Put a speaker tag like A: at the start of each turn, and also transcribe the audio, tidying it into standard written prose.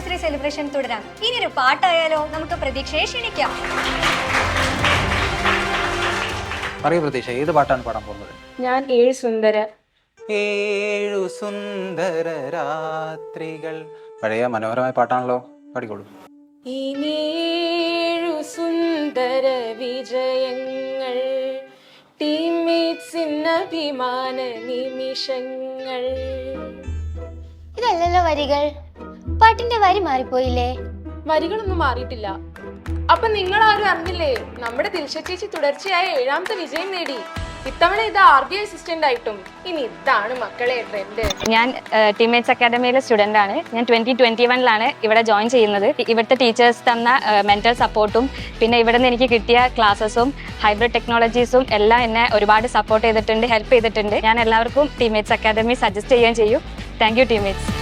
A: Anniversary celebration തുടരാം. ഇനിയൊരു പാട്ടായാലോ? നമുക്ക് പ്രതീക്ഷയെ ക്ഷണിക്കാം.
B: പറയൂ പ്രതീക്ഷ, ഏത് പാട്ടാണ് പാടാൻ പോകുന്നത്?
C: ഞാൻ
B: ഏഴു സുന്ദര രാത്രികൾ. പഴയ മനോഹരമായ പാട്ടാണല്ലോ, പാടിക്കോളൂ.
C: ഇനിയേഴു സുന്ദര വിജയങ്ങൾ, ടീംമേറ്റ്സിന് അഭിമാന നിമിഷങ്ങൾ.
D: ഇതല്ലല്ലോ വരികൾ. പാട്ടിന്റെ വരി മാറിപ്പോയില്ലേ?
C: വരികളൊന്നും മാറിയിട്ടില്ല. അപ്പൊ നിങ്ങൾ ആരും അറിഞ്ഞില്ലേ, നമ്മുടെ ദിൽഷ ചേച്ചി തുടർച്ചയായ 7ാമത്തെ വിജയം നേടി. ഇത്തവണ ഇത് RBI അസിസ്റ്റന്റ് ആയിട്ടും. ഇനി ഇതാണ് മക്കളെ ട്രെൻഡ്.
E: ഞാൻ ടീംമേറ്റ്സ് അക്കാഡമിയിലെ സ്റ്റുഡൻ്റ് ആണ്. ഞാൻ 2021 ഇവിടെ ജോയിൻ ചെയ്യുന്നത്. ഇവിടുത്തെ ടീച്ചേഴ്സ് തന്ന മെന്റൽ സപ്പോർട്ടും പിന്നെ ഇവിടെ നിന്ന് എനിക്ക് കിട്ടിയ ക്ലാസ്സസും ഹൈബ്രിഡ് ടെക്നോളജീസും എല്ലാം എന്നെ ഒരുപാട് സപ്പോർട്ട് ചെയ്തിട്ടുണ്ട്, ഹെൽപ്പ് ചെയ്തിട്ടുണ്ട്. ഞാൻ എല്ലാവർക്കും ടീംമേറ്റ്സ് അക്കാഡമി സജസ്റ്റ് ചെയ്യുകയും ചെയ്യും. Thank you teammates.